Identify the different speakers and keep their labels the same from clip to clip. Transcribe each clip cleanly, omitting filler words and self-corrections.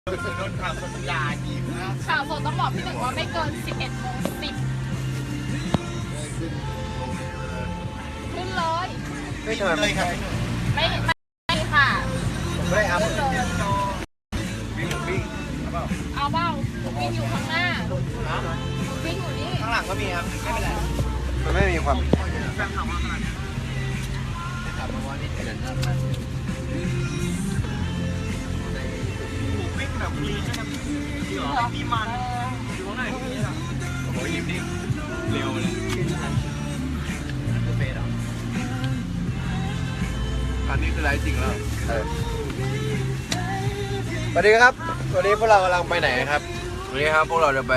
Speaker 1: โดนข่าวสดยาอีกนะ
Speaker 2: ข่าวสดต้องบอกพี่หนึ่งว่าไม่เกิน 11:10 ขึ้นเลย
Speaker 3: ไม่ทำไม
Speaker 1: เลยครับ
Speaker 2: ไม่ค่ะ
Speaker 3: ผมไม่ได้อัพ
Speaker 2: ขึ้นเลย
Speaker 1: วิ่งวิ่ง
Speaker 2: เอาเปล่าวิ่งอยู่ข้างหน้าวิ่งอยู่นี่
Speaker 1: ข้างหลังก็มีครับไม่เป็นไร
Speaker 3: มันไม่มีความ
Speaker 1: แฟนถามว่าขนาดนี้ถามมาว่านี่เป็นอะไรวิ่งแบบมีใช่ไหมมีเหรอมีมันอยู่ข้างในนี่แหละโอ้ยยิ้มดิเร็วเลยคือเฟสเหรออันนี้คือไรจริงแล้ว
Speaker 3: สวัสดีครับวันนี้พวกเรากำลังไปไหนครับ
Speaker 4: วันนี้ครับพวกเราจะไป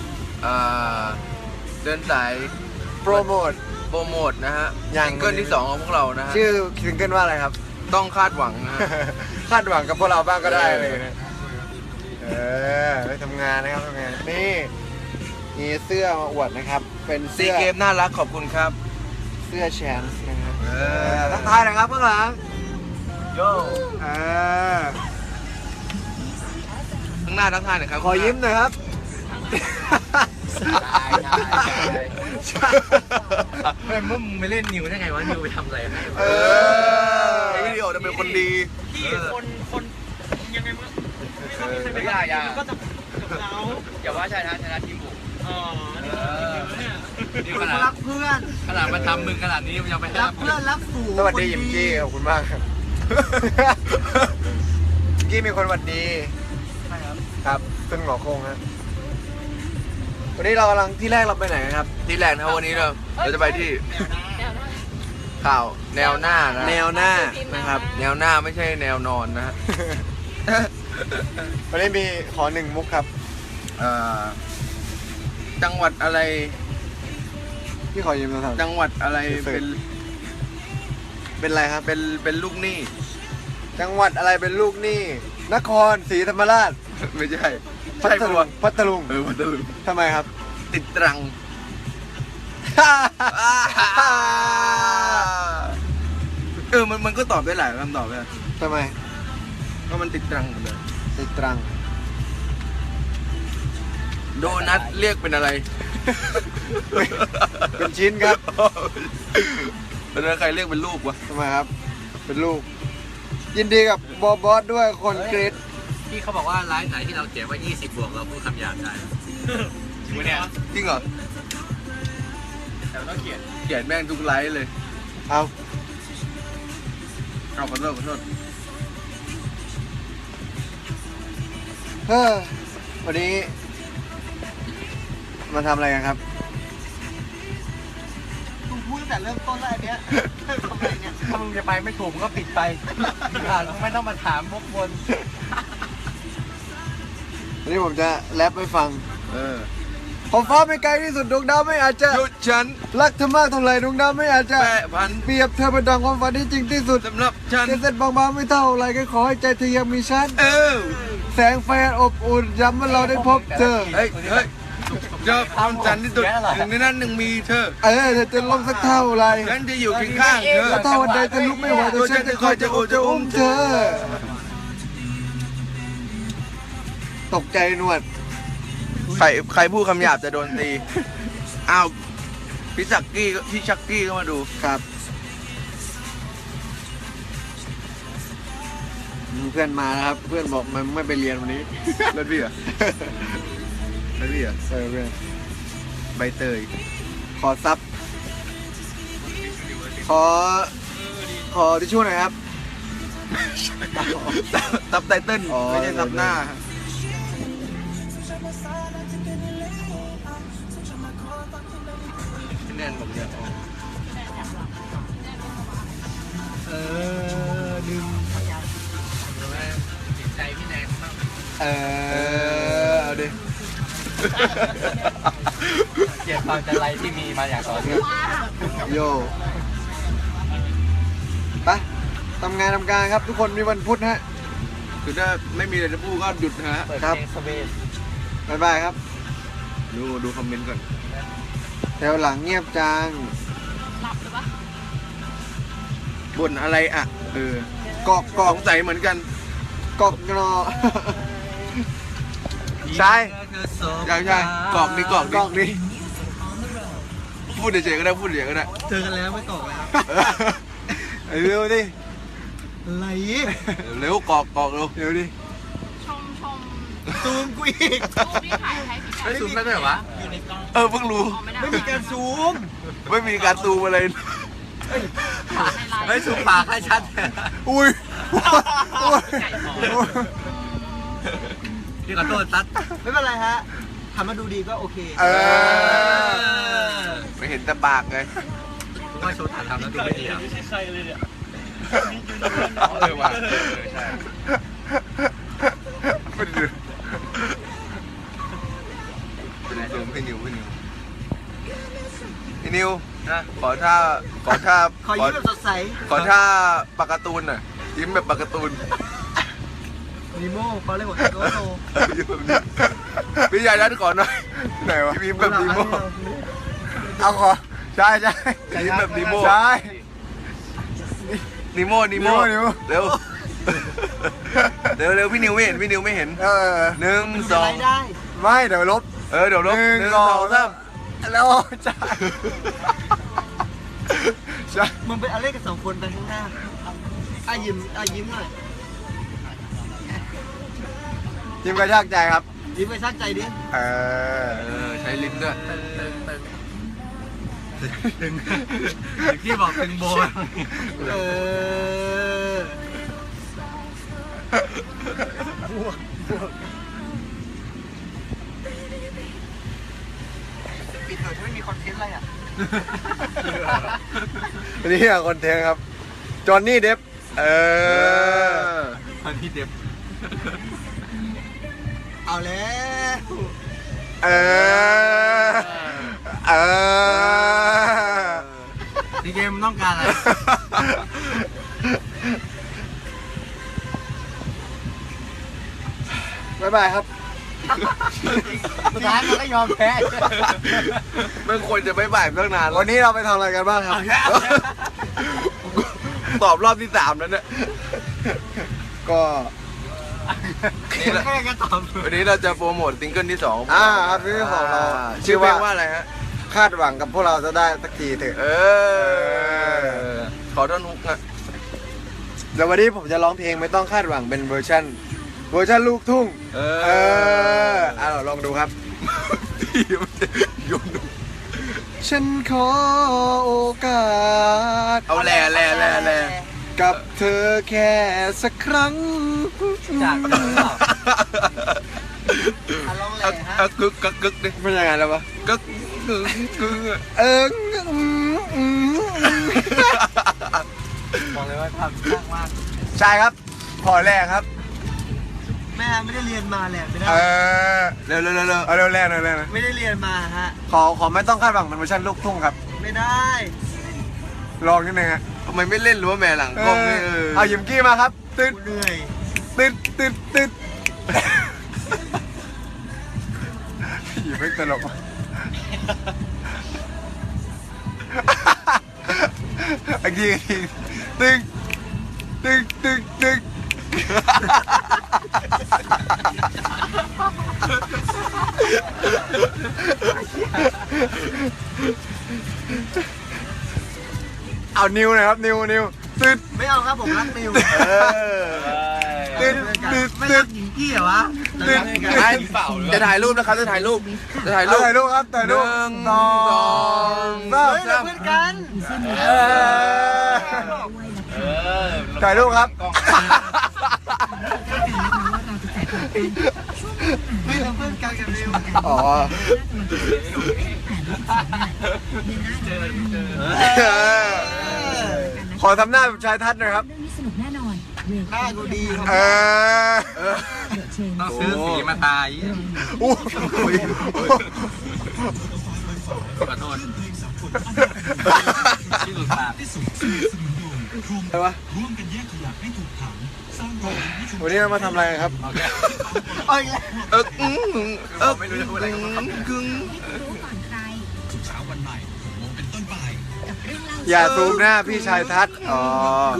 Speaker 4: เดินสาย
Speaker 3: โปรโมท
Speaker 4: โปรโมทนะฮะ
Speaker 3: ยัง
Speaker 4: ซิงเกิลที่ 2 ของพวกเรานะฮะ
Speaker 3: ชื่อซิงเกิลว่าอะไรครับ
Speaker 4: ต้องคาดหวังนะฮะ
Speaker 3: คาดหวังกับพวกเราบ้างก็ได้เลยนะไปทำงานนะครับทำงานนี่มีเสื้อมาอวดนะครับ เป็น
Speaker 4: ซี
Speaker 3: เสื้อ
Speaker 4: เกมน่ารักขอบคุณครับ
Speaker 3: เสื้อแชนส์นะครับ
Speaker 4: อ
Speaker 3: ทักทายหนะครับข้างหลัง
Speaker 1: โย
Speaker 4: ข้างหน้าทั้งท่านนะครับ
Speaker 3: ขอยิ้มหน่อยครับ
Speaker 1: เมื่อมึงไปเล่นนิวได้ไงวะนิวไปทำอะไรให้
Speaker 4: ไอ้วิดีโอจะเป็นคนดี
Speaker 1: พี่คนยังไงมึงไม่ต้องมีใครไปด่าก็จะกับเราอย่าว่าชนะทีมบุกอ๋อนี่ขนาดรักเพื่อนขนาดมาทำมึงขนาดนี้ยังไปรักเพื่อนรักฝูง
Speaker 3: สวัสดียิมกี้ขอบคุณมากครับยิมกี้มีคนสวัสดี
Speaker 1: ใช่ครับ
Speaker 3: ครับซึ่งหงอโคงฮะวันนี้เรากำลังที่แรกเราไปไหนกันครับ
Speaker 4: ที่แรกนะครับวันนี้เราจะไปที่
Speaker 2: เดี๋ยวนะ
Speaker 4: ข่าวแนวหน้านะ
Speaker 3: แนวหน้านะครับ
Speaker 4: แนวหน้าไม่ใช่แนวนอนนะฮะ
Speaker 3: วันนี้มีขอหนึ่งมุกครับ
Speaker 4: จังหวัดอะไร
Speaker 3: พี่ขอยืมโทรศัพท์
Speaker 4: จังหวัดอะไรเป็น
Speaker 3: เป็นอะไรครับ
Speaker 4: เป็นลูกหนี้
Speaker 3: จังหวัดอะไรเป็นลูกหนี้นครศรีธรรมราช
Speaker 4: ไม่ใช่
Speaker 3: พั
Speaker 4: ใช่
Speaker 3: ท
Speaker 4: ปะ
Speaker 3: ลุ
Speaker 4: วะ
Speaker 3: งพัทลุง
Speaker 4: พัทลุง
Speaker 3: ทำไมครับ
Speaker 4: ติดตรังมันก็ตอบได้หลายคำตอบเลย
Speaker 3: ทำไม
Speaker 4: ก็มันติดตรังหมดเลย
Speaker 3: ติดตรัง
Speaker 4: โดนัทเรียกเป็นอะไร
Speaker 3: เป็นชิ้นครับ
Speaker 4: แล้วใครเรียกเป็นลูกวะ
Speaker 3: ทำไมครับ เป็นลูก ยินดีกับบอสด้วยคนกรีด
Speaker 1: พี่เขาบอกว่าไลฟ์ไหนที่เราเขียนว่า20 บวกเราพูดคำหยาบได้จริงเนี่ย
Speaker 4: จริงเหรอ
Speaker 1: แต่ต้องเขียน
Speaker 4: เขียนแม่งทุกไลฟ์เลย
Speaker 3: เอา
Speaker 4: เอาขอโทษขอโทษ
Speaker 3: เฮ้อวันนี้ มาทำอะไรกันครับ
Speaker 1: มึงพูดตั้งแต่เริ่มต้นแล้วอันเนี้ยทำไมเนี่ยถ้ามึงจะไปไม่ถูกมึงก็ปิดไปไม่ต้องมาถามพวกคน
Speaker 3: วันนี้ผมจะแรปให้ฟัง
Speaker 4: เออ
Speaker 3: ขอบฟ้าไม่ไกลที่สุดดวงดาวไม่อาจจะ
Speaker 4: หยุดฉัน
Speaker 3: รักเธอมากเท่าไหร่ดวงดาวไม่อาจจะ
Speaker 4: แปะพัน
Speaker 3: เปรียบเธอเป็นดังความฝันที่จริงที่สุด
Speaker 4: สำหรับฉัน
Speaker 3: เส้นบางๆไม่เท่าไรก็ขอให้ใจเธอยังมีฉัน
Speaker 4: เออ
Speaker 3: แสงไฟอันอบอุ่นย้ำว่าเราได้พบเธอ
Speaker 4: เฮ้ยเจอความจันทร์ที่สุดหนึ่งในนั้นหนึ่งมีเธอ
Speaker 3: เออเธอจะลงสักเท่าไร
Speaker 4: ฉันจะอยู่เคียงข้างเธอ
Speaker 3: ถ้าวันใดจะลุกไม่ไหวตัวฉันจะคอยจะโอบจะอุ้มเธอ ตกใจหนวด
Speaker 4: ใครพูดคำหยาบจะโดนตี อ้าว พี่ชักกี้ก็มาดู
Speaker 3: ครับเพื่อนมาแล้วครับ เพื่อนบอกมันไม่ไปเรียนวันนี้
Speaker 4: แล้วพี่อ่ะแล้วพี่อ่ะ
Speaker 3: เออเพื่อน
Speaker 4: ใบเตย
Speaker 3: ขอซับ ขอทิชชู่หน่อยครับ
Speaker 4: ซับไตเติ้ล
Speaker 3: อ๋อ
Speaker 4: ไม่ใช่ซับหน้า
Speaker 1: แน่นผมเนี่ยลืมติดใจพี่แนนมาก
Speaker 3: เออเอาดิ
Speaker 1: เกลียดความจันไรที่มีมาอย่างต่อเนื่อง
Speaker 3: โยไปทำงานทำการครับ ทุกคนมีวันพุธฮะ
Speaker 4: คือถ้าไม่มีอะไรจะพูดก็หยุดนะฮะ
Speaker 1: เปิด
Speaker 3: ครับ
Speaker 1: เพลงสเปซ
Speaker 3: บ๊ายบายครับ
Speaker 4: ดูคอมเมนต์ก่อน
Speaker 3: แถวหลังเงียบจัง
Speaker 2: หลับหรือปะ
Speaker 4: บ่นอะไรอ่ะ
Speaker 3: กอก
Speaker 4: สงสัยเหมือนกัน
Speaker 3: กอกงอใช่
Speaker 4: ใช่กรอกดิ
Speaker 3: กล้องดิ
Speaker 4: พูดเฉยๆก็ได้พูดเฉยๆก็ได้
Speaker 1: เจอกันแล้วไม่ตกแล้ว
Speaker 3: เร็วดิ
Speaker 1: อะไร
Speaker 4: เร็วกรอกเร็ว
Speaker 3: เร็วดิ
Speaker 2: ชม
Speaker 1: ซูมกูอีก
Speaker 2: รูปที่ถ่ายให้พี่กั
Speaker 1: ไม่
Speaker 2: น
Speaker 1: ซูมได้ด้วยเหรอวะอยู่ในกล้อง
Speaker 4: เพิ่งรู้
Speaker 2: ไม่ได้
Speaker 1: ไม่มีการซูม
Speaker 4: ไม่มีการซูมอะไร
Speaker 1: ไม่ซูมปากให้ชัด
Speaker 3: อุ้ย
Speaker 1: พี่ขอโทษตัดไม่เป็นไรฮะทำมาดูดีก็โอเค
Speaker 4: ไม่เห็นแต่ปากไง
Speaker 1: ว่าโชว์ถ่ายทำแล้วดูไม่ดีอ่ะ
Speaker 5: ไม่ใช่ใครเลยเนี่ย
Speaker 4: ว่ะใช่ เป็นไรพี่นิวนะขอท่า
Speaker 1: ขอยิ้มแบบสดใส
Speaker 4: ขอท่าปากการ์ตูนหน่อยยิ้มแบบปากการ์ตูน
Speaker 1: นิโม่เขาเรียกว่าโตโต
Speaker 4: ยิ้มแบบนี้พี่ชายนัดก่อนหน่อยไหนวะยิ้มแบบนีโม่
Speaker 3: เอาขอใช่ใช่
Speaker 4: ยิ้มแบบนีโม่
Speaker 3: ใช่
Speaker 4: นีโม่เร็วเร็วพี่นิวไม่เห็น1 2
Speaker 3: ไม่เดี๋ยวลบ
Speaker 4: เดี๋ยวลบ
Speaker 3: 1 2 3แล้วใช่ใช่
Speaker 1: มึงเป็นอะไรกับ2 คนไปข้างหน้ายิ้มหน่อย
Speaker 3: ยิ้มกระชากใจครับ
Speaker 1: ยิ้มไปชักใจดิ
Speaker 4: ใช้ลิ้นด้วย
Speaker 1: ที่บอกตึงโบปิดเถอะไม่มีคอนเทนต์อะไรอ่ะ
Speaker 3: นี่อะคอนเทนต์ครับ จอห์นนี่เดฟ
Speaker 1: ตอนที่เด็บเอาแล้ว ดีเกมต้องการอะไร
Speaker 3: บ๊ายบายครับ
Speaker 1: สุดท้ายมันก็ยอมแพ้
Speaker 4: ไม่ควรจะไม่บ่ายตั้งนาน
Speaker 3: วันนี้เราไปทำอะไรกันบ้างครับ
Speaker 4: ตอบรอบที่3แล้วเนี่ย
Speaker 3: ก็
Speaker 1: แค่ก็ตอบ
Speaker 4: วันนี้เราจะโปรโมทซิงเกิลที่2
Speaker 3: ครับซิงเกิลของเรา
Speaker 4: ชื่อเพลงว่าอะไรฮะ
Speaker 3: คาดหวังกับพวกเราจะได้สักทีเถอะ
Speaker 4: ขอท่อนฮุกนะ
Speaker 3: เดี๋ยววันนี้ผมจะร้องเพลงไม่ต้องคาดหวังเป็นเวอร์ชันลูกทุ่งเราลองดูครับ
Speaker 4: โยนดู
Speaker 3: ฉันขอโอกาส
Speaker 4: เอาแล่
Speaker 3: กับเธอแค่สักครั้ง
Speaker 1: จากลองเลยฮะ
Speaker 4: กึกดิ
Speaker 3: เป็นยังไงแล้ววะ
Speaker 4: กึก
Speaker 1: บอกเลยว่าทำยากมาก
Speaker 3: ใช่ครับพอแรกครับ
Speaker 1: แม่ไม่ได้เรียนมาแหละไม่ได้
Speaker 4: เร็ว
Speaker 3: เอาเร็วแรกนะ
Speaker 1: ไม่ได้เรียนมาฮะ
Speaker 3: ขอไม่ต้องคาดหวังเป็นเวอร์ชันลูกทุ่งครับ
Speaker 1: ไม่ได้
Speaker 3: ลองนิดนึงฮะ
Speaker 4: ทำไมไม่เล่นหรือว่าแม่หลังกล้องไม่
Speaker 3: เอายิมกี้มาครับตึ๊ด
Speaker 1: เหนื่อย
Speaker 3: ยิมไม่ตลกอีกทีตึ๊กเอานิวหน่อยครับนิวตึ๊ด
Speaker 1: ไม่เอาครับผมรักนิว
Speaker 3: ตึ๊ด
Speaker 1: ไม่รักหญิงกี้เหรอวะ
Speaker 4: จะถ่ายรูปนะครับจะถ่ายรูป
Speaker 3: ถ่ายรูปครับถ่ายรูป
Speaker 4: 1 2
Speaker 1: เฮ้ยเราเพื่อนกัน
Speaker 3: ถ่ายรูปครับ
Speaker 1: ไม่เราเพื่อนกันกับนิว
Speaker 3: อ๋อขอทำหน้าแบบชายทัศน์หน่อยครับ
Speaker 6: เรื่องนี้สนุกแน่นอนเวล
Speaker 1: หน้ากูดีครับ
Speaker 6: ต้อง
Speaker 1: ซื้อสีมาตาย
Speaker 3: อู้
Speaker 1: ขอโทษที่หลุดปาก
Speaker 3: อะไรวะวันนี้เรามาทำอะไรกันครับ
Speaker 4: ไม่รู้จะพูดอะไรกัน
Speaker 6: รู้ก่อนใครทุกเช้าวันใหม่6 โมงเป็นต้นไปกับเรื่องเล่า
Speaker 3: อย่าซูมหน้าพี่ชายทัศน์อ๋อ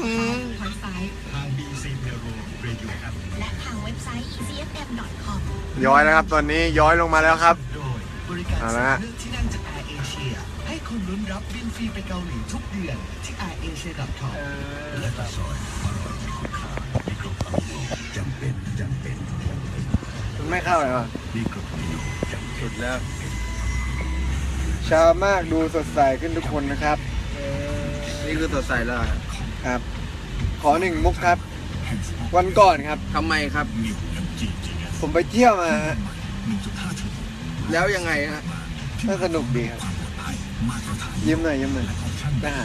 Speaker 6: ทาง BBC Bureau Radio ครับและทางเว็บไซต์ ecfm.com
Speaker 3: ย้อยแล้วครับ ตอนนี้ย้อยลงมาแล้วครับ
Speaker 6: โดยบริการ
Speaker 3: เอา
Speaker 6: สำ
Speaker 3: ละ
Speaker 6: รองเลือกที่นั่งจาก Air Asia ให้คุณลุ้นรับบินฟรีไปเกาหลีทุกเดือนที่ airasia.com และก็ซอยอร่อยมีคุณค่ามีกรอบจำเป็น
Speaker 3: มันไม่เข้าเลยวะ
Speaker 6: มีกรอบจำเป็น
Speaker 4: สุดแล้ว
Speaker 3: เช้ามากดูสดใสขึ้นทุกคนนะครับ
Speaker 4: นี่คือสดใสแล้ว
Speaker 3: ครับ ขอหนึ่งมุกครับ วันก่อนครับ
Speaker 4: ทำไมครับ
Speaker 3: ผมไปเที่ยวมาฮะ
Speaker 4: แล้วยังไงฮะ
Speaker 3: น่าสนุกดีครับ ยิ้มหน่อยยิ้มหน่อยไปหา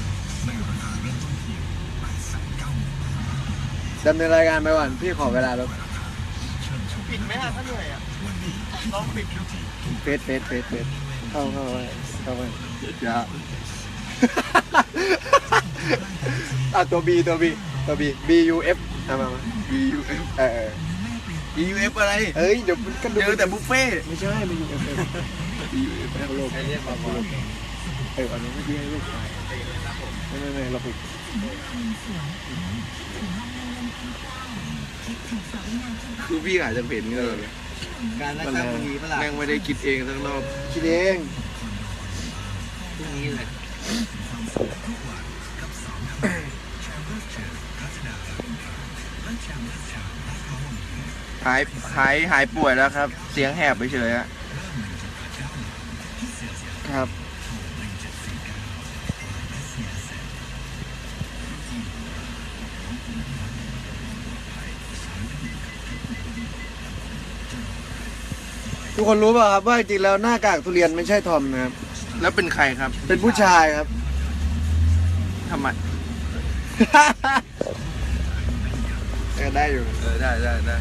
Speaker 3: ดำเนินรายการไปก่อนพี่ขอเวลาแล้ว
Speaker 1: ปิดไหมอ่ะถ้าเหนื่อยอ่ะลองปิดดู
Speaker 3: เฟสเข้าไปอย่า ตัว B BUF เอามา
Speaker 4: BUF
Speaker 3: เออ
Speaker 4: BUF อะไร
Speaker 3: เอ้ยเดี๋ยวมันก็ดู
Speaker 4: เจอแต่บุฟเฟ่ต์
Speaker 3: ไม่ใช่มันอยู่ BUF โลก
Speaker 1: เรียกมาพอ
Speaker 3: อันนี้ไม่ใช่ลูกชายไม่เราผิด
Speaker 4: คือพี่อาจจะเห็นเลย
Speaker 1: การรักษาพรุ่งนี้เปล่า
Speaker 4: แม่งไม่ได้คิดเองทั้งรอบ
Speaker 3: คิดเอง
Speaker 1: พรุ่งนี้เลย
Speaker 4: หายป่วยแล้วครับ เสียงแหบไปเฉยอะ
Speaker 3: ครับทุกคนรู้ป่ะครับว่าจริงๆแล้วหน้ากากทุเรียนไม่ใช่ทอมนะครับ
Speaker 4: แล้วเป็นใครครับ
Speaker 3: เป็นผู้ชายครับ
Speaker 4: ทำไม
Speaker 3: ได้อยู่
Speaker 4: ได้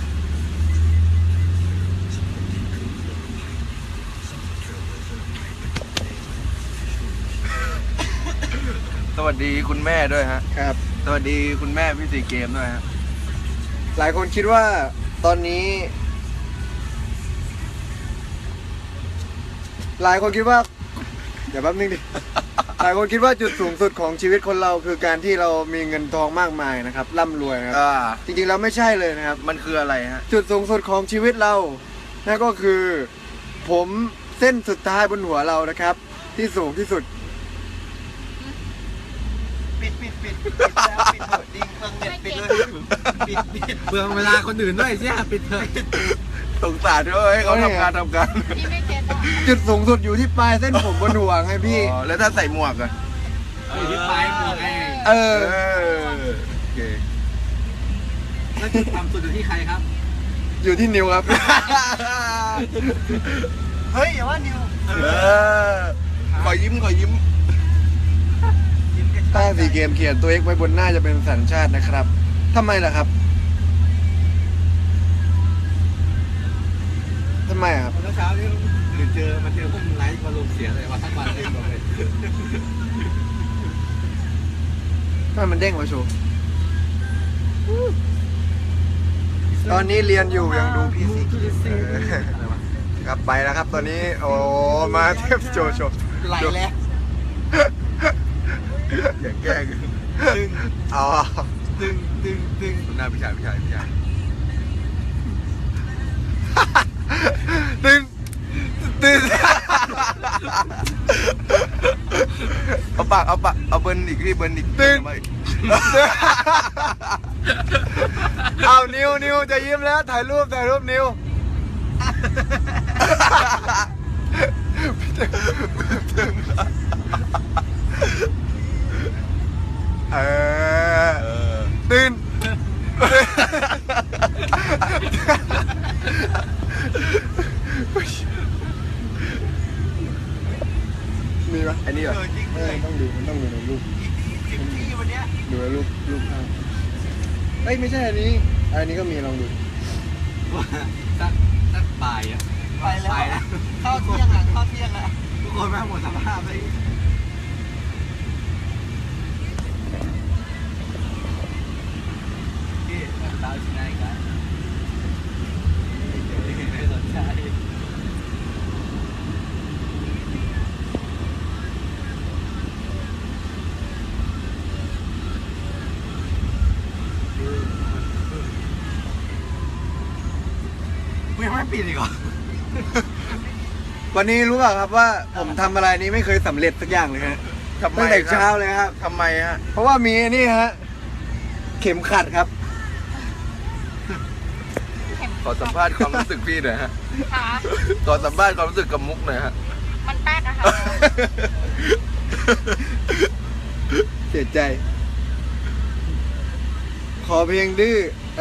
Speaker 4: สวัสดีคุณแม่ด้วยฮะ
Speaker 3: ครับ
Speaker 4: สวัสดีคุณแม่พี่สีเกมด้วยฮะ
Speaker 3: หลายคนคิดว่าตอนนี้ หลายคนคิดว่าเดี๋ยวแป๊บนึงดิ หลายคนคิดว่าจุดสูงสุดของชีวิตคนเราคือการที่เรามีเงินทองมากมายนะครับร่ำรวยนะครับ จริงๆแล้วไม่ใช่เลยนะครับ
Speaker 4: มันคืออะไรฮะ
Speaker 3: จุดสูงสุดของชีวิตเรานั่นก็คือ ผมเส้นสุดท้ายบนหัวเรานะครับ ที่สูงที่สุด
Speaker 1: ปิดแล้วปิดเถอะดิงเมืองเน็ตปิดเลยปิดเมืองเวลาคนอื่นด้วยใช่ไหมปิดเถอะ
Speaker 4: สงสารด้วยให้เขาทำงาน
Speaker 2: พี่ไม่เก็ตอ่ะ
Speaker 3: จุดสูงสุดอยู่ที่ปลายเส้นผมบนหัวไงพี่
Speaker 4: อ๋อแล้วถ้าใส่หมวกอะ
Speaker 1: อยู่ที่ปลายหมวกไง
Speaker 3: เออ
Speaker 4: โอเค
Speaker 1: แล้วจุดต่ำสุดอยู่ที่ใครครับ
Speaker 3: อยู่ที่นิ้วครับ
Speaker 1: เฮ้ยอย่าว่านิว
Speaker 4: ขอยิ้ม
Speaker 3: ใต้สีเกมเขียนตัว X ไว้บนหน้าจะเป็นสัญชาตินะครับทำไมล่ะครับทำไมอะครับ
Speaker 1: เมื่อเช้านี้เจอพวกมึงไลฟ์มาลงเสียเลยว่าทั้งวันเลยบอกเลย
Speaker 3: ทำไมมันเด้งวะโชว์ตอนนี้เรียนอยู่ยังดูพี่สีครับไปแล้วครับตอนนี้โอ้มาเทพโชว์
Speaker 1: ไหลแล้ว
Speaker 4: อย่าแกล้ง
Speaker 1: ตึง
Speaker 3: อ๋อ
Speaker 1: ตึง
Speaker 4: หน้าพี่ชาย
Speaker 3: ตึง
Speaker 4: เอาเบิร์นอีกที่เบิร์นอีก
Speaker 3: เอานิวจะยิ้มแล้วถ่ายรูปนิวตื่นมีปะ
Speaker 4: อันนี้เหรอ
Speaker 1: จริง
Speaker 3: ต้องดูในรูป
Speaker 1: จิบที่วันเนี้ย
Speaker 3: ดูในรูปภาพเอ้ยไม่ใช่อันนี้ก็มีลองดู
Speaker 1: สักบ่ายอ่ะไปแล้วเข้าเที่ยงอ่ะทุกคนแม่งหมดสภาพเลยที่ดาวที่ไหนกันไม่สนใจยังไม่ปิดอีกเหรอ
Speaker 3: วันนี้รู้เปล่าครับว่าผมทำอะไรนี้ไม่เคยสำเร็จสักอย่างเลยฮะ
Speaker 4: ทำไม
Speaker 3: ตั้งแต่
Speaker 4: ครับ
Speaker 3: เช้าเลยครับ
Speaker 4: ทำไมฮะ
Speaker 3: เพราะว่ามีนี่ฮะเข็มขัดครับ
Speaker 4: ขอสัมภาษณ์ความรู้สึกพี่หน่อยฮะ
Speaker 2: ค่ะ
Speaker 4: ขอสัมภาษณ์ความรู้สึกกับมุกหน่อยฮะ
Speaker 2: มันแป๊กอะค่ะ
Speaker 3: เสียใจ ขอเพียงดื้อ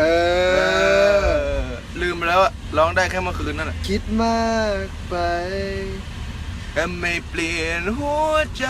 Speaker 4: ลืมไปแล้วอะร้องได้แค่เมื่อคืนนั่นแหละ
Speaker 3: คิดมากไป
Speaker 4: แค่ไม่เปลี่ยนหัวใจ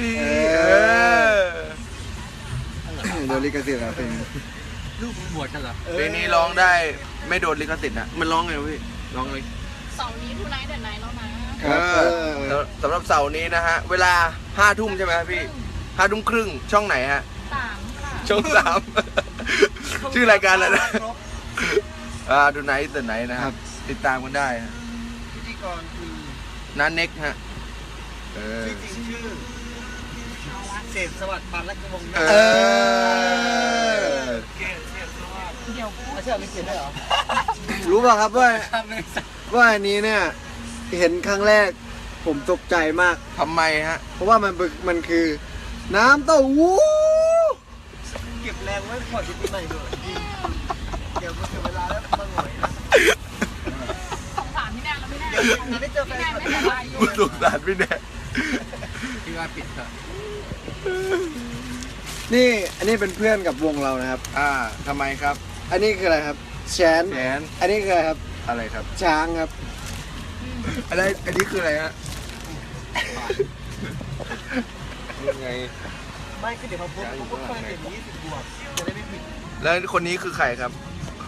Speaker 3: โดนลิขสิทธิ์ครับเพลงนี้
Speaker 1: ลูกมึงบวชกันเหรอ
Speaker 4: เพลงนี้ร้องได้ไม่โดนลิขสิทธิ์นะมันร้องไงวะพี่ร้องเลย
Speaker 2: เสาร์นี้ทูไนท์เดอะไนท์แล้วนะ
Speaker 4: สำหรับเสาร์นี้นะฮะ เวลา5 ทุ่มใช่ไหมครับพี่5 ทุ่มครึ่งช่องไหนฮะ
Speaker 2: 3 ค่ะ
Speaker 4: ช่อง 3 ชื่อรายการอะไรนะดูไหนแต่ไหนนะครับ ติดตามกันได้ฮะ
Speaker 3: พิธีกรคือ
Speaker 4: น้าเน็กฮะ
Speaker 3: จริงชื่อเศษสวัสดิ์ปันและกระวง
Speaker 4: เออ
Speaker 2: เดี๋ยวพูด
Speaker 3: เชื่อไม่เขียนได้หรอ รู้ป่ะครับว่าอันนี้เนี่ย เห็นครั้งแรกผมตกใจมาก
Speaker 4: ทำไมฮะ
Speaker 3: เพราะว่ามันคือ น้ำเต้าหู้เก็บแรงไว้ก่อนจะปีใหม่ด้วยเดี๋ยวมันถึงเวลาแล้วมาหน่อยนะ
Speaker 2: สงสารพี่แนนแล้วพี่แนน
Speaker 3: เดี๋ยวมันได้เจอแฟ
Speaker 2: พี่
Speaker 3: น
Speaker 2: แนน
Speaker 3: คลับ
Speaker 2: ไม่สบายอยู่
Speaker 4: สงสารพี่แน่
Speaker 1: พี่ว่าปิดเถอะ
Speaker 3: นี่อันนี้เป็นเพื่อนกับวงเรานะครับ
Speaker 4: ทำไมครับ
Speaker 3: อันนี้คืออะไรครับแชน
Speaker 4: แขน
Speaker 3: อันนี้คืออะไรครับ
Speaker 4: อะไรครับ
Speaker 3: ช้างครับ
Speaker 4: อะไรอันนี้คืออะไรฮะยังไง
Speaker 3: ไม่คือเดี๋ยวพอปุ๊บก็เห็น20 บวกจะได้ไม่ผิด
Speaker 4: แล้วคนนี้คือใครครับ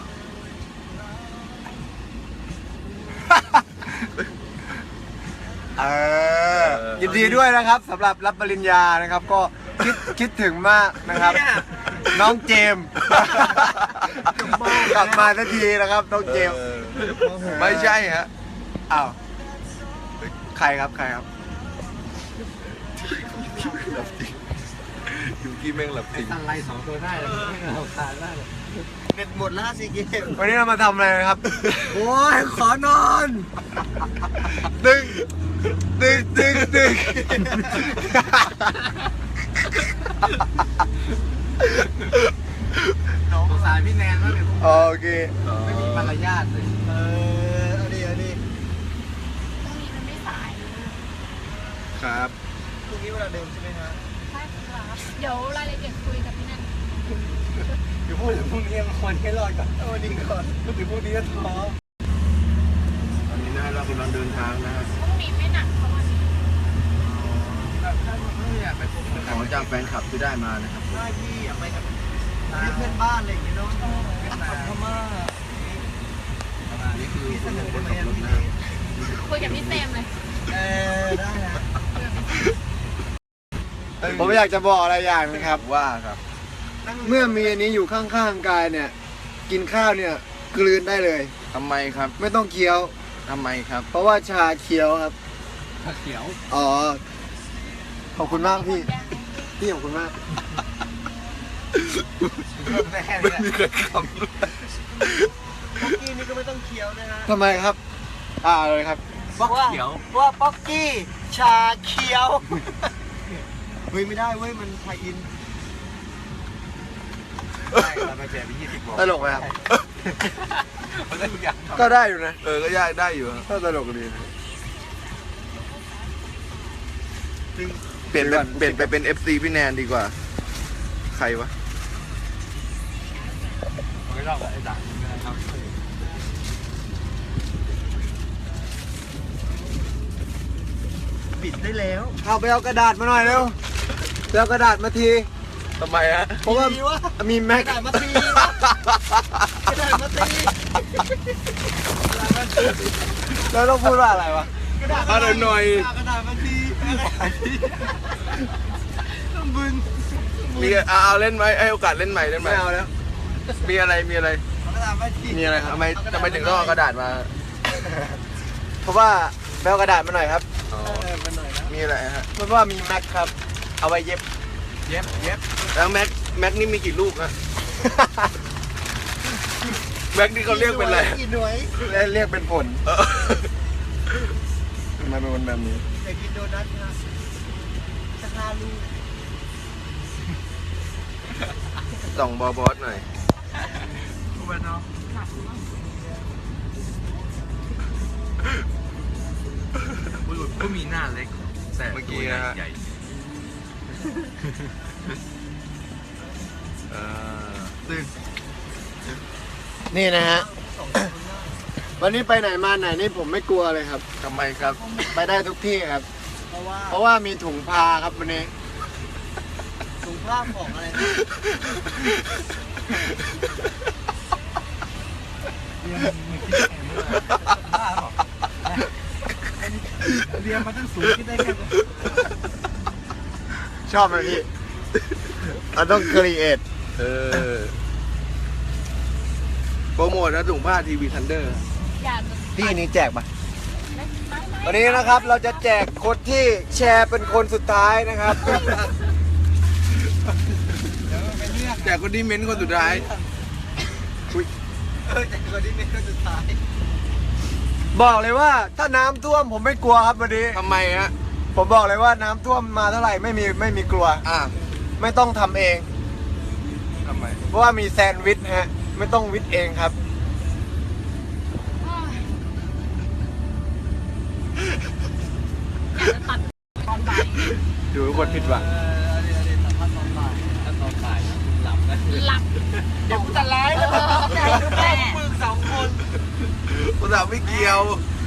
Speaker 3: ยินดีด้วยนะครับสำหรับรับปริญญานะครับ ก็คิดถึงมากนะครับ น้องเจมส์กลับมาสักทีนะครับน้องเจมส์
Speaker 4: ไม่ใช่ฮะ
Speaker 3: อ้าวใครครับใครครับ
Speaker 4: ยูกี้แม่งหลับจริง
Speaker 1: ตั้งไล่2 ตัวได้เลยไม่เอาขาดได้เลย
Speaker 3: เน็ตหมดแล้วสิเกมวันนี้เรามาทำอะไรนะครับ โอ้ยขอนอนตึงตึง
Speaker 1: สงสารพี่แนนมากเลย
Speaker 3: โอเค
Speaker 1: ไม่มีมารยาทเลย
Speaker 3: เอาดิ
Speaker 2: พรุ่งนี้มันไม่สาย
Speaker 3: ครับ พรุ่งนี้เวลาเดิมใช่ไหมฮะ
Speaker 2: ใช่ครับเดี๋ยวรายละเอียดคุยกับพี่แนน
Speaker 3: อยู่พูดถึงพรุ่งนี้คนให้รอดก่อนวันนี้ก่อนพูดถึงพรุ่งนี้ก็ท้อ
Speaker 4: ตอนนี้นะเรากำลังเดินทางนะฮะ
Speaker 2: พรุ่งนี้ไม่หนักเท่าวันนี้
Speaker 4: ของจากแฟนคลับที่ได้มานะครับ
Speaker 3: ได้พี่อยากไปกับเพื่อนบ้านอะไรอย่างเงี้ยเนาะพม่า
Speaker 4: นี่คือ
Speaker 3: พี่เสนอ
Speaker 4: ค
Speaker 3: ได้
Speaker 4: น
Speaker 3: ไหม
Speaker 4: ขับรถ
Speaker 3: พี่
Speaker 4: นะ
Speaker 2: คุยกับพี่เซมเลย
Speaker 3: ได้นะผมอยากจะบอกอะไรอย่างนะครับ
Speaker 4: ว่าครับ
Speaker 3: เมื่อมีอันนี้อยู่ข้างๆกายเนี่ย กินข้าวเนี่ยกลืนได้เลย
Speaker 4: ทำไมครับ
Speaker 3: ไม่ต้องเคี้ยว
Speaker 4: ทำไมครับ
Speaker 3: เพราะว่าชาเคี้ยวครับ
Speaker 1: ถ้าเขียว
Speaker 3: อ๋อ ขอบคุณมากพี่ พี่ขอบคุณมาก
Speaker 4: ไม่มีใครค
Speaker 3: ป๊อกกี้นี่ก็ไม่ต้องเคี้ยวนะฮะทำไมครับ เลยครับ
Speaker 1: ป๊อกเขียว
Speaker 3: ว่าป๊อกกี้ชาเคี้ยว เฮ้ยไม่ได้เว้ยมันไทยอิน
Speaker 1: เราไปแจกไป20 บวก
Speaker 3: ตลกไหมครับ
Speaker 1: มันได้ทุกอย่าง
Speaker 3: ก็ได้อยู่นะ
Speaker 4: ก็ยากได้อยู่ฮะ
Speaker 3: ก็ตลกดีนะ
Speaker 4: เปลี่ยนไปเป็น FC พี่แนนดีกว่า ใครวะ
Speaker 1: ไม่รอบไอ้ด่างนะครับ
Speaker 3: ปิดได้แล้วเอาไปเอากระดาษมาหน่อยเร็วไปเอากระดาษมาที
Speaker 4: ทำไมฮะ
Speaker 3: เพราะว่ามีแม็กกระดาษมาตีกระดาษมาตีแล้วต้องพูดว่าอะไรวะ
Speaker 4: มาหน่อย
Speaker 3: กระดาษมาตีต้องบึน
Speaker 4: มีเอาเล่นไหมให้โอกาสเล่นใหม่เล่นใหม่
Speaker 3: ไม่เอาแล้ว
Speaker 4: มีอะไร
Speaker 3: กระดาษมาตี
Speaker 4: มีอะไรครับทำไมถึงต้องเอากระดาษมา
Speaker 3: เพราะว่าไปเอากระดาษมาหน่อยครับ
Speaker 4: อ๋อ
Speaker 3: มาหน่อยนะ
Speaker 4: มีอะไรฮะ
Speaker 3: เพราะว่ามีแม็กครับ เอาไว้เย็บ
Speaker 1: เย็บ
Speaker 4: แล้วแม็กนี่มีกี่ลูกฮะแบ็คนี่เขาเรียกเป็นอะไร
Speaker 3: กี่หน่วยเรียกเป็นผลทำไมเป็นคนแบบนี้อยากกินโดนัทนะจะฆ่าลูก
Speaker 4: ส่องบอสหน่อยก็มีหน้าเล็กแต่เมื่อกี้นะฮะ
Speaker 3: นี่นะฮะ วันนี้ไปไหนมาไหนนี่ผมไม่กลัวเลยครับ
Speaker 4: ทำไมครับ
Speaker 3: ไปได้ทุกที่ครับ เพราะว่ามีถุงพาครับวันนี้ ถุงผ้าของอะไรนะเรียนมาตั้งสูงคิดได้แค่ชอบไหมพี่เราต้องครีเอท
Speaker 4: โปรโมทนะถุงผ้าทีวีทันเดอร์
Speaker 2: อยากจะ
Speaker 3: พี่นี้แจกปะ
Speaker 2: ไม่
Speaker 3: วันนี้นะครับเราจะแจกคนที่แชร์เป็นคนสุดท้ายนะครับ
Speaker 4: แต่คนที่เม้นคนสุดท้าย
Speaker 3: บอกเลยว่าถ้าน้ำท่วมผมไม่กลัวครับวันนี้
Speaker 4: ทำไมฮะ
Speaker 3: ผมบอกเลยว่าน้ำท่วมมาเท่าไหร่ไม่มีกลัว ไม่ต้องทำเอง
Speaker 4: ทำไม
Speaker 3: เพราะว่ามีแซนด์วิชฮะไม่ต้องวิทย์เองครับ
Speaker 2: อยากจะตัดตอนบ่าย
Speaker 3: ดูทุกคนผิดหวัง
Speaker 2: หลับ
Speaker 3: เดี๋ยวกูจะไลฟ์แล้ว
Speaker 2: แม่
Speaker 3: มึง2 คน
Speaker 4: ภาษาไม่เกี่ยว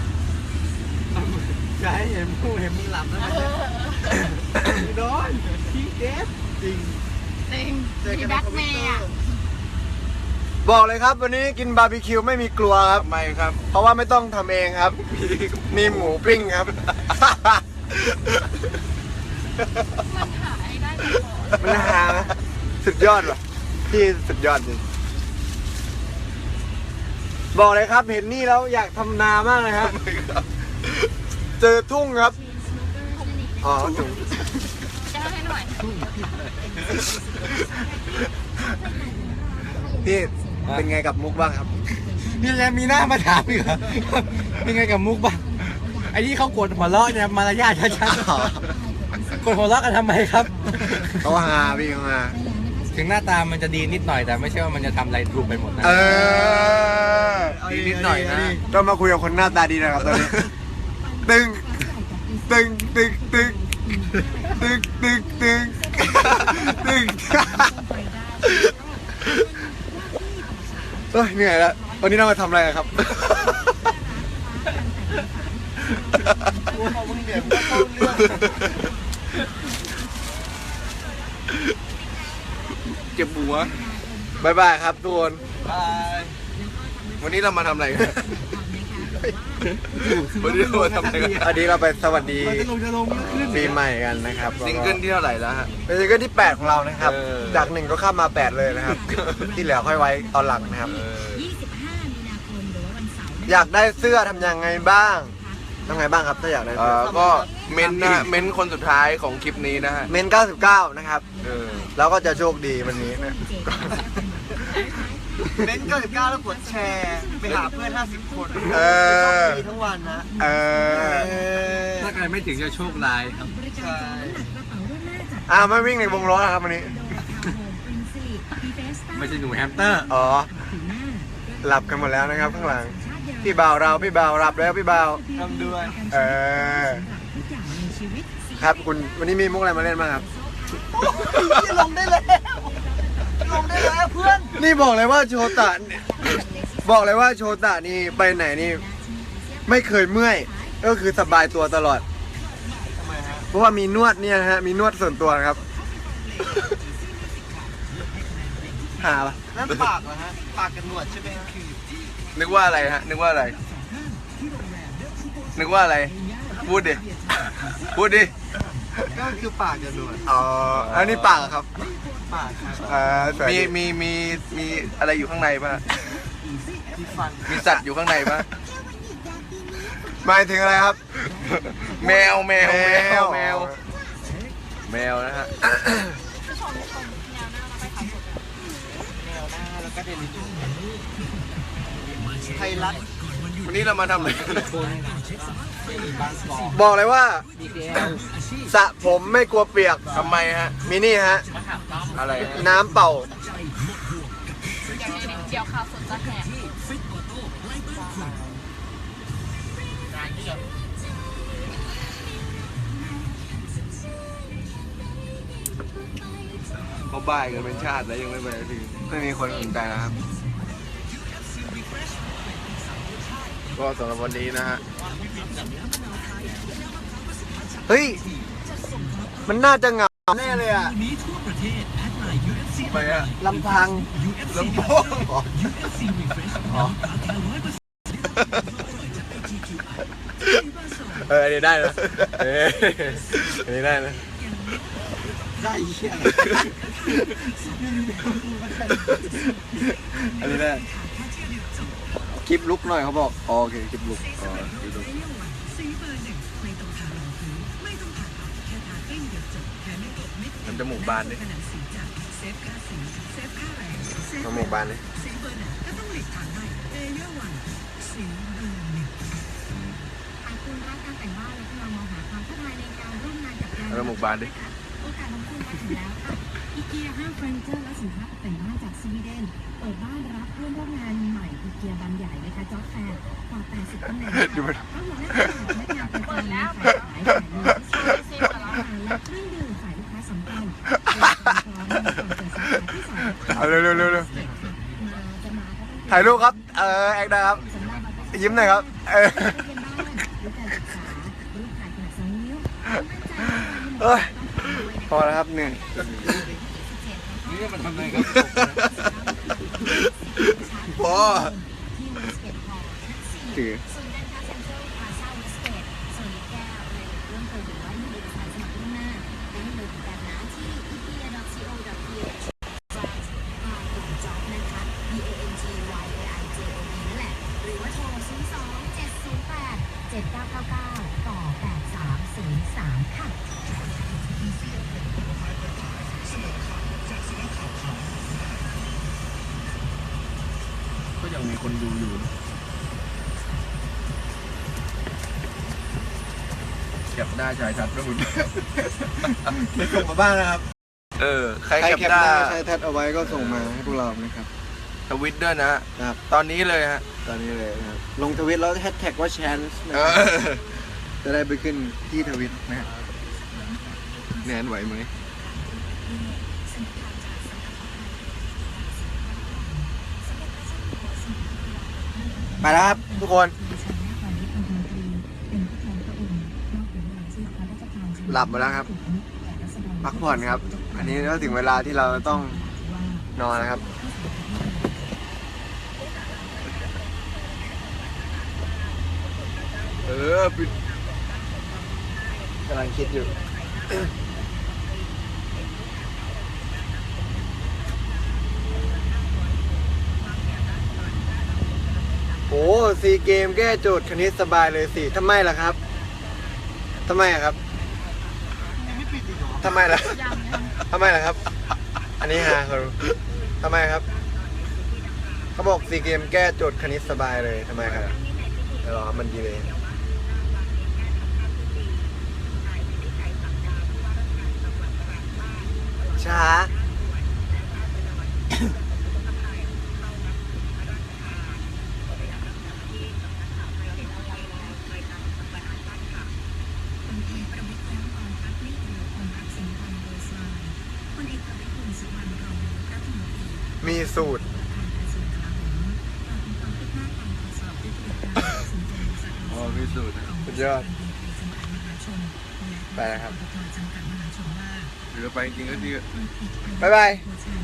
Speaker 3: อย่าให้เห็นมึงหลับนะโดนพี่เดฟจริง
Speaker 2: จริงมีแบ็คเมย์อ่ะ
Speaker 3: บอกเลยครับวันนี้กินบาร์บีคิวไม่มีกลัวครับ
Speaker 4: ทำไมครับ
Speaker 3: เพราะว่าไม่ต้องทำเองครับ มีหมูปิ้งครับ
Speaker 2: มันหายได้ตลอด
Speaker 3: มันหานะสุดยอดว่ะพี่สุดยอดจริงบอกเลยครับเห็นนี่แล้วอยากทำนามากเลยครับ เจอทุ่งครับอ๋อทุ่ง
Speaker 2: จะให้หน่อย
Speaker 3: พี่เป็นไงกับมุกบ้างครับ
Speaker 5: นี่แล้วมีหน้ามาถามอีกเหรอเป็นไงกับมุกบ้างไอ้ที่เขากดหัวเราะเนี่ยมารยาทชัดๆกดหัวเราะกันทำไมครับ
Speaker 3: เขาหาพี่เขาหา
Speaker 5: ถึงหน้าตามันจะดีนิดหน่อยแต่ไม่ใช่ว่ามันจะทำอะไรถูกไปหมดนะ
Speaker 4: ดีนิดหน่อยนะ
Speaker 3: ต้องมาคุยกับคนหน้าตาดีนะครับตอนนี้ตึงตึงตึงตึงตึงตึงตึงตึงเฮ้ยเหนื่อยแล้ววันนี้เรามาทำอะไรกันครับ
Speaker 4: เจ็บหัว
Speaker 3: บายบายครับทุกคน
Speaker 4: วันนี้เรามาทำอะไรกันวันนี้เรามาทำอะไรกัน
Speaker 3: อันนี้เราไปสวัสดี
Speaker 5: จะลงขึ้น
Speaker 3: ปีใหม่กันนะครับ
Speaker 4: ซิงเกิลที่เท่าไหร่แล้วฮะ
Speaker 3: เป็นซิงเกิลที่ 8 ของเรานะครับ
Speaker 4: เออ
Speaker 3: จาก 1 ก็ข้ามมา 8 เลยนะครับ ที่เหลือค่อยไว้ตอนหลังนะครับ อยากได้เสื้อทำยังไงบ้างทำไงบ้างครับถ้าอยากได้เสื้อ
Speaker 4: ก็เม้นนะเม้นคนสุดท้ายของคลิปนี้นะฮะ
Speaker 3: เมน99 นะครับ แล้วก็จะโชคดีวันนี้นะ
Speaker 7: เม้น99แล้วกดแชร์ไปหาเพื่อน50 คน
Speaker 3: เออ
Speaker 7: มีทั้งวันนะ
Speaker 3: เออ
Speaker 5: ถ้าใครไม่ถึงจะโชคร้ายครับ
Speaker 7: ใช่
Speaker 3: ไม่วิ่งในวงล้อนะครับวันนี้
Speaker 5: ไม่ใช่หนูแฮมสเตอร์
Speaker 3: อ๋อ หลับกันหมดแล้วนะครับข้างหลัง พี่บ่าวเราพี่บ่าวหลับแล้วพี่บ่าว
Speaker 7: ทำด้วย
Speaker 3: เออ ครับคุณวันนี้มีมุกอะไรมาเล่นบ้างครับ
Speaker 7: ที่ลงได้แล้วลงได้แล้วเพื่อน
Speaker 3: นี่บอกเลยว่าโชตะเนี่ยบอกเลยว่าโชตะนี่ไปไหนนี่ไม่เคยเมื่อย ก็คือสบายตัวตลอด
Speaker 7: ทำไมฮะ
Speaker 3: เพราะว่ามีนวดเนี่ยนะฮะมีนวดส่วนตัวนะครับ หาปะ
Speaker 7: นั่นปากเหรอฮะ ปากกับหนวดใช่ไหมฮะ
Speaker 4: นึกว่าอะไรฮะ นึกว่าอะไร นึกว่าอะไร พูดดิ พูดดิ
Speaker 7: ก็คือปากกับหนวด
Speaker 3: อ๋ออันนี้ปากเหรอครับ
Speaker 7: ปากครับ
Speaker 3: สวยดี
Speaker 4: มีอะไรอยู่ข้างในป่ะ
Speaker 7: ที่ฟัน
Speaker 4: มีสัตว์อยู่ข้างในป่ะ
Speaker 3: หมายถึงอะไรครับ
Speaker 4: แมวแมวแมวแมวแมวนะฮะ
Speaker 2: ชมแนวหน้าแล้วไปขายสด
Speaker 7: แนวหน้าแล้วก็เดลิจู
Speaker 3: ทยรัฐ
Speaker 4: วันนี้เรามาทำอะไร
Speaker 3: บอกเลยว่าสระผมไม่กลัวเปียก
Speaker 4: ทำไมฮะ
Speaker 3: มีนี่ฮะ
Speaker 4: อะไรฮะ
Speaker 3: น้ำเป่า
Speaker 2: เดี๋ยวข่าวสดจะแหก
Speaker 4: เขาบ่ายกันเป็นชาติแล้วยังไม่ไปที
Speaker 3: ไม่มีคนสนใจนะครับ
Speaker 4: ก็สำหรับวันนี้นะฮะ
Speaker 3: เฮ้ย มันน่าจะเหงาแน่เลยอ่ะ
Speaker 4: ไปอะ
Speaker 3: ลำพัง
Speaker 4: ลำโพงอันนี้ได้นะอันนี้ได้นะ
Speaker 3: ได้เหี้ยอันนี้ได้คลิปลุกหน่อยเขาบอกอ๋อโอเคคลิปลุกอ๋อคลิปลุก
Speaker 4: ทำจมูกบานดิ
Speaker 3: จมูกบานเลย
Speaker 8: คุณรักการแต่งบ้านและกำลังมองหาความท้าทายในการร่วมงานกับแบรนด์
Speaker 4: ทำจมูกบานดิ
Speaker 8: โอกาสของคุณมาถึงแล้วค่ะอีเกียห้างเฟอร์นิเจอร์และสินค้าตกแต่งบ้านจากสวีเดนเปิดบ้านรับเพื่อนร่วมงานใหม่อีเกียบานใหญ่นะคะจ็อบแฟร์กว่า80ตำแหน่งทั้งหัวหน้าพนักงานประจำฝ่ายขายฝ่ายมือที่ช่วยอาหารและเครื่องดื่มฝ่ายลูกค้าสำคัญ
Speaker 3: เอาเร็วถ่ายรูปครับแอคนะครับยิ้มหน่อยครับเอ้ยพอแล้วครับเหนื่อย
Speaker 5: นี่มันทำอะไรครับ
Speaker 4: พอ
Speaker 3: ถือ
Speaker 8: ศูนย์การค้าเซ็นทรัลพลาซ่าเวสเกตส่วนแก้วอะไรเรื่องเปิดหรือว่ามีเอกสารสมัครล่วงหน้าได้เลยเหมือนกันนะที่ ikea.co.th /job นะคะ BANGYAIJOB นั่นแหละหรือว่าโทร 02-708-7999 ต่อ 8303 ค่ะ
Speaker 4: ก็ยังมีคนดูอยู่เก็บหน้าชายทัดก็หุ่น
Speaker 3: ไม่ส่งมาบ้างนะครับ
Speaker 4: ใคร
Speaker 3: ใคร
Speaker 4: เก็บ
Speaker 3: แคป
Speaker 4: หน้า
Speaker 3: หน้าใช้แท็บเอาไว้ก็ส่งมาให้พวกเรานะครับ
Speaker 4: ทวิตด้วยนะ
Speaker 3: ครับ
Speaker 4: ตอนนี้เลยฮะ
Speaker 3: ตอนนี้เลยนะครับลงทวิตแล้วแฮชแท็กว่า chance นะ
Speaker 4: เอ
Speaker 3: ครับ
Speaker 4: อ
Speaker 3: จะได้ไปขึ้นที่ทวิตนะครับ
Speaker 4: แนนไหวไหม
Speaker 3: ไปแล้วครับทุกคน หลับมาแล้วครับ พักผ่อนครับ อันนี้ก็ถึงเวลาที่เราต้องนอนนะครับ
Speaker 4: ปิด
Speaker 3: กำลังคิดอยู่ โอ้ซีเกมแก้โจทย์คณิตสบายเลยสิทำไมล่ะครับทำไมอะครับทำไมล่ะทำไมล่ะครับ อันนี้ฮะเขาทำไมครับเขาบอกซีเกมแก้โจทย์คณิตสบายเลยทำไมครับเดี๋ยวรอมันดีเลยช้า มีสูตร
Speaker 4: อ๋อมีสูตร
Speaker 3: สุดยอด ไปแล้วครับ
Speaker 4: หรือไปจริงๆก็ดี
Speaker 3: บ๊ายบาย
Speaker 8: ใ